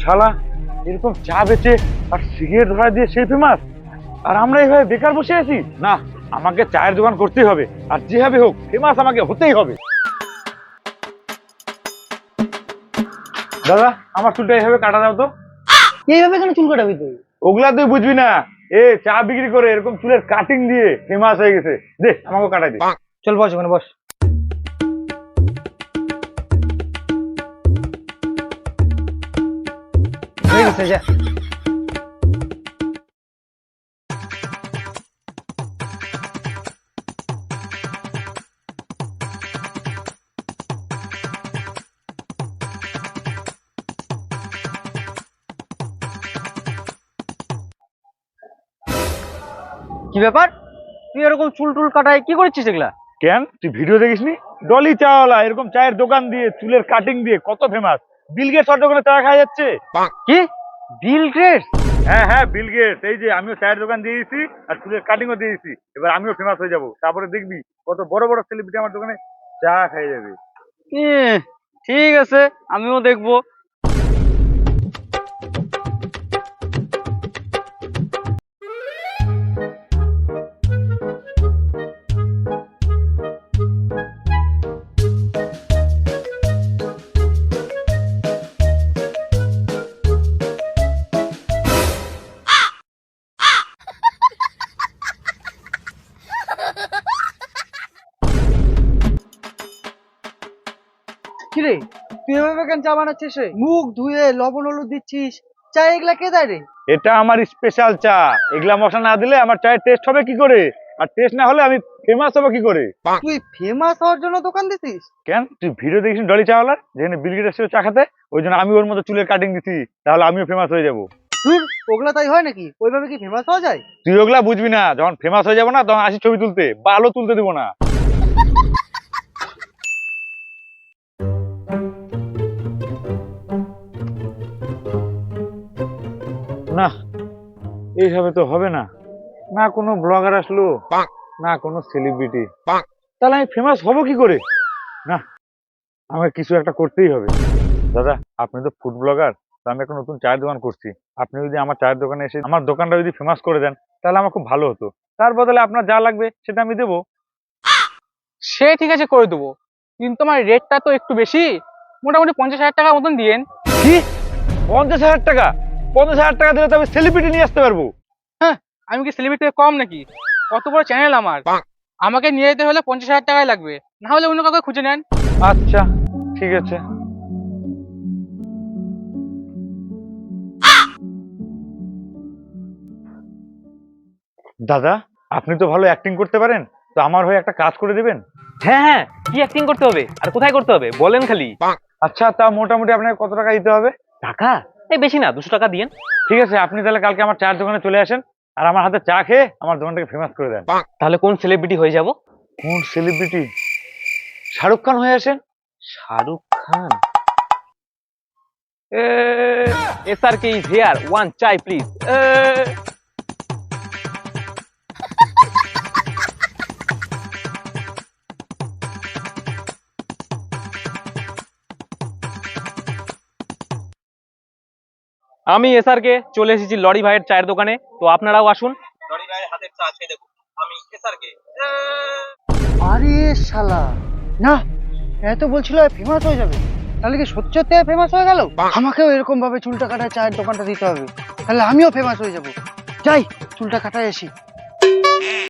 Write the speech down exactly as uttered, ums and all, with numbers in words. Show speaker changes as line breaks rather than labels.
শালা এরকম চা বেচে আর সিগারেট ধরা দিয়ে সেই ফেমাস, আর আমরা এইভাবে বেকার বসে আছি। না, আমাকে চায়ের দোকান করতেই হবে, আর যেভাবে হোক ফেমাস আমাকে হতেই হবে। দাদা, আমার চুলটা এইভাবে কাটা দাও তো।
এইভাবে কেন চুল কাটাবি তুই?
ওগুলা তুই বুঝবি না, এ চা বিক্রি করে এরকম চুলের কাটিং দিয়ে ফেমাস হয়ে গেছে। দে আমাকে কাটাই দে।
চল বস ওখানে বস। হয়ে গেছে, যা। কি ব্যাপার, তুই এরকম চুল টুল কাটায় কি করছিস এগুলা?
কেন, তুই ভিডিও দেখিসনি? ডলি চাওয়ালা এরকম চায়ের দোকান দিয়ে চুলের কাটিং দিয়ে কত ফেমাস। বিল গেটস ওর দোকানে চা খাওয়া যাচ্ছে।
কি বিল গেটস?
হ্যাঁ হ্যাঁ, বিল গেটস। এই যে আমিও চায়ের দোকান দিয়ে দিয়েছি আর চুলের কাটিংও দিয়ে দিয়েছি, এবার আমিও ফেমাস হয়ে যাব। তারপরে দেখবি কত বড় বড় সেলিব্রিটি আমার দোকানে চা খাইয়ে যাবে।
ঠিক আছে, আমিও দেখবো। কিরে, তুই এভাবে কেন চা বানাচ্ছিস রে? মুখ ধুয়ে লবণ হলুদ দিচ্ছিস, চা এগুলা কে দেয় রে?
এটা আমার স্পেশাল চা, এগুলা মশলা না দিলে আমার চায়ের টেস্ট হবে কি করে? আর টেস্ট না হলে আমি ফেমাস হবো কি করে?
তুই ফেমাস হওয়ার জন্য দোকান দিছিস?
কেন, তুই ভিডিও দেখিস ডলি চাওয়ালার, যেখানে বিল গেটস এসেছিল চা খেতে? ওই জন্য আমি ওর মতো চুলের কাটিং দিছি, তাহলে আমিও ফেমাস হয়ে যাবো।
তুই ওগুলা তাই হয় নাকি? ওইভাবে কি ফেমাস হওয়া যায়?
তুই ওগুলা বুঝবি না, যখন ফেমাস হয়ে যাবো না তখন আসি ছবি তুলতে, ভালো তুলতে দিব না। না, এইভাবে তো হবে না। না কোনো ব্লগার আসলো, না কোনো সেলিব্রিটি, তাহলে আমি ফেমাস হব কি করে? না, আমাকে কিছু একটা করতেই হবে। দাদা, আপনি তো ফুড ব্লগার, তো আমি একটা নতুন চায়ের দোকান করছি। আপনি যদি আমার চায়ের দোকানে এসে আমার দোকানটা যদি ফেমাস করে দেন, তাহলে আমার খুব ভালো হতো। তার বদলে আপনার যা লাগবে সেটা আমি দেবো।
সে ঠিক আছে, করে দেবো, কিন্তু আমার রেটটা তো একটু বেশি, মোটামুটি পঞ্চাশ হাজার টাকার মতন দিয়েন।
কি, পঞ্চাশ হাজার টাকা? পঞ্চাশ হাজার টাকা দিলে তো আমি সেলিব্রিটি নিয়ে আসতে পারবো।
হ্যাঁ, আমি কি সেলিব্রিটি থেকে কম নাকি? কত বড় চ্যানেল আমার, আমাকে নিয়ে যেতে হলে পঞ্চাশ হাজার টাকাই লাগবে, না হলে অন্য কাউকে খুঁজে নেন।
আচ্ছা, ঠিক আছে। দাদা, আপনি তো ভালো অ্যাক্টিং করতে পারেন, তো আমার হয়ে একটা কাজ করে দিবেন?
হ্যাঁ হ্যাঁ, কি অ্যাক্টিং করতে হবে আর কোথায় করতে হবে বলেন খালি।
আচ্ছা, তা মোটামুটি আপনাকে কত টাকা দিতে হবে?
টাকা? এই বেশি না, দুশো টাকা দিয়েন।
ঠিক আছে, আপনি তাহলে কালকে আমার চায়ের দোকানে চলে আসেন, আর আমার হাতে চা খেয়ে আমার দোকানটাকে ফেমাস করে দেন।
তাহলে কোন সেলিব্রিটি হয়ে যাব?
কোন সেলিব্রিটি? শাহরুখ খান হয়ে আসেন।
Shahrukh Khan? S R K is here, one চাই প্লিজ। আমি এস আর কে চলে এসেছি লরি ভাইয়ের চায়ের দোকানে, তো আপনারাও আসুন। লরি ভাইয়ের হাতের চা খেয়ে দেখুন। আমি এস আর কে।
আরে শালা, না, এত বলছিল ফেমাস হয়ে যাবে, তাহলে কি সত্যি সত্যি ফেমাস হয়ে গেল? আমাকেও এরকম ভাবে চুলটা কাটায় চায়ের দোকানটা দিতে হবে, তাহলে আমিও ফেমাস হয়ে যাব। যাই, চুলটা কাটায় আসি।